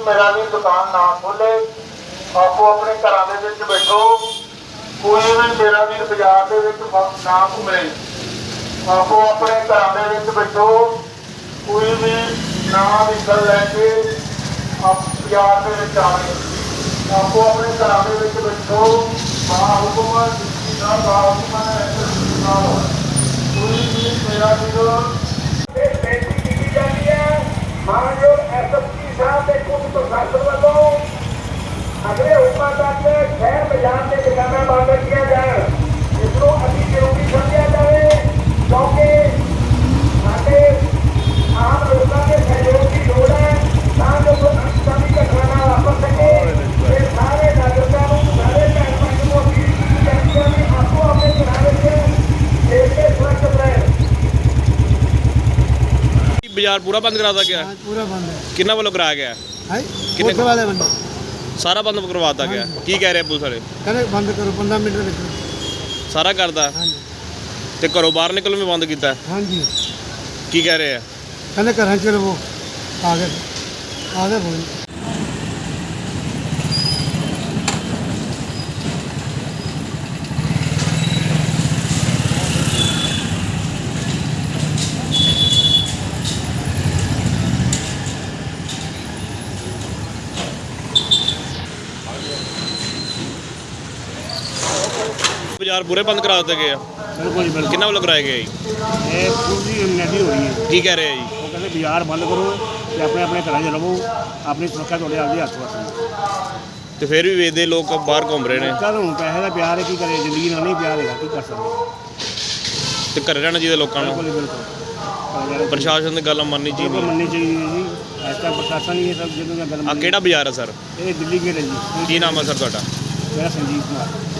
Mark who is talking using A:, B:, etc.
A: मेरा भी दुकान ना खोले, आपो अपने घरों के विच बैठो। कोई भी मेरा भी बाजार के विच ना घूमे, आपो अपने घरों के विच बैठो। कोई भी ना व्हीकल लैके बाजार के विच आवे, आपो अपने घरों के विच बैठो। बाहुकुम डिप्टी साहब, बाहुकुम कोई भी मेरा भी बेनती की जाती है मानयोग SSP साहब के कुछ प्रशासन वालों अगले हुक्म तक शहर बाजार के दुकाना बंद किया जाए। इसको अति जरूरी समझा जाए क्योंकि साढ़े आम लोगों के सहयोग की लोड़ है ताकि जो अनसनी घटना वापर सके। सारे नागरिकों को सारे पैसों को अपील की जाती है कि आपको अपने किनारे से देश के सुरक्षित रहे।
B: बाजार पूरा बंद करा दिया गया?
C: पूरा बंद है।
B: किन्ना वालों कराया गया?
C: कितने वाले बंद?
B: सारा बंद करवाता गया। की कह रहे पुलिस वाले?
C: कहने बंद करो 15 मिनट में।
B: सारा करदा ते घरों बाहर निकलण भी बंद कीता?
C: हाँ जी।
B: की कह रहे हैं?
C: कहने घर चलो वो आगे बोल।
B: बाजार पूरे बंद करा दिए गए?
D: बिल्कुल बिल्कुल।
B: किन्ना वालों कराए गए?
D: ये पूरी नैटी हो रही है।
B: की कह रहे हैं जी?
D: वो कहते बाजार बंद करो ते अपने अपने घर च रहो, अपनी सुरक्षा थोड़े आपके हत्थ वस।
B: तो फिर भी वेदे लोग बाहर घूम रहे हैं।
D: चल हूँ पैसे का प्यार है, की करे, जिंदगी ना नहीं प्यार है, की कर सकते।
B: तो घरे रहना चाहिए लोगों को।
D: बिल्कुल बिल्कुल।
B: प्रशासन की गल मननी
D: बिल्कुल
B: चाहिए।
D: मननी चाहिए जी। आज तक प्रशासन ही ये सब जिन्होंने गल
B: आ केड़ा बाजार है सर?
D: ये दिल्ली गेट है जी।
B: की नाम है सर ਤੁਹਾਡਾ?
D: मेरा संजीव कुमार।